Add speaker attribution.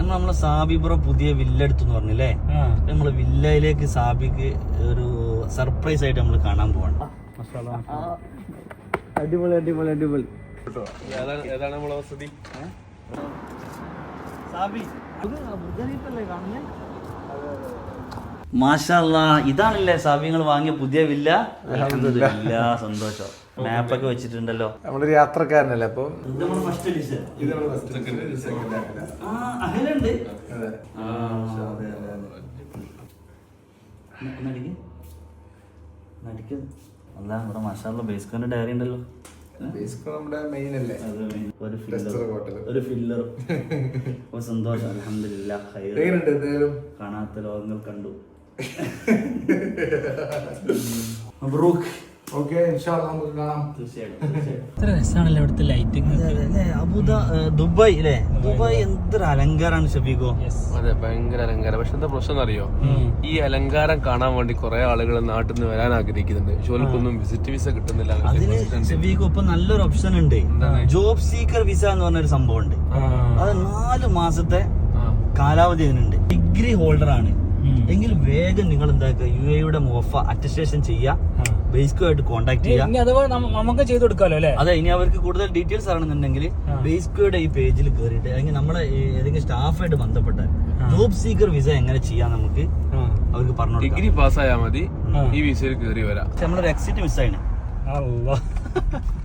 Speaker 1: നമ്മളെ സാബി ബ്രോ പുതിയ വില്ല എടുത്തു പറഞ്ഞില്ലേ? നമ്മള് വില്ലയിലേക്ക് സാബിക്ക് ഒരു സർപ്രൈസ് ആയിട്ട് നമ്മൾ കാണാൻ പോവാണ്. അടിപൊളി അടിപൊളി അടിപൊളി.
Speaker 2: ഏതാണ് നമ്മളെ വസതി?
Speaker 1: സാബി മാഷാ അല്ലാഹ്, ഇതാണല്ലേ സാബി നിങ്ങൾ വാങ്ങിയ പുതിയ വില്ല? അൽഹംദുലില്ലാ, സന്തോഷം. മാപ്പൊക്കെ വെച്ചിട്ടുണ്ടല്ലോ.
Speaker 3: നമ്മളൊരു യാത്രക്കാരനല്ലേ, അപ്പൊ
Speaker 1: അല്ല ഇവിടെ മാഷാള്ള ബേസ്കോന്റെ ഡയറി ഉണ്ടല്ലോ. ഒരു ഫില്ലർ. സന്തോഷം, അൽഹംദുലില്ലാ. കാണാത്ത ലോകങ്ങൾ കണ്ടു. മബ്രൂക്ക്. ദുബായ് അല്ലേ? ദുബായ് എന്തൊരു അലങ്കാരാണ് ഷബീഖോ.
Speaker 2: അതെ, ഭയങ്കര അലങ്കാരം. പക്ഷെ എന്താ പ്രശ്നം അറിയോ? ഈ അലങ്കാരം കാണാൻ വേണ്ടി കുറെ ആളുകൾ നാട്ടിൽ നിന്ന് വരാൻ ആഗ്രഹിക്കുന്നുണ്ട്. ഷോൽക്കൊന്നും വിസിറ്റ് വിസ കിട്ടുന്നില്ല.
Speaker 1: അതിന് ഷബീഖോ ഇപ്പൊ നല്ലൊരു ഓപ്ഷൻ ഉണ്ട്. ജോബ് സീക്കർ വിസ എന്ന് പറഞ്ഞൊരു സംഭവം ഉണ്ട്. അത് 4 മാസത്തെ കാലാവധി അതിനുണ്ട്. ഡിഗ്രി ഹോൾഡർ ആണ് എങ്കിൽ വേഗം നിങ്ങൾ എന്താക്കുക, UAE മോഫ അറ്റസ്റ്റേഷൻ ചെയ്യുക, ബേസ്കോ ആയിട്ട് കോൺടാക്ട്
Speaker 4: നമുക്ക് ചെയ്ത് കൊടുക്കാലോ അല്ലേ?
Speaker 1: അതെ, ഇനി അവർക്ക് കൂടുതൽ ഡീറ്റെയിൽസ് അറിയണമെന്നുണ്ടെങ്കിൽ ബേസ്കോയുടെ ഈ പേജിൽ കയറിയിട്ട് അല്ലെങ്കിൽ നമ്മളെ ഏതെങ്കിലും സ്റ്റാഫായിട്ട് ബന്ധപ്പെട്ടാൽ ജോബ് സീക്കർ വിസ എങ്ങനെ ചെയ്യാൻ നമുക്ക് അവർക്ക് പറഞ്ഞു.
Speaker 2: ഡിഗ്രി പാസ്സായാൽ മതി, ഈ വിസയിൽ കയറി വരാം.
Speaker 1: നമ്മളൊരു എക്സിറ്റ് മിസ്സായിന്.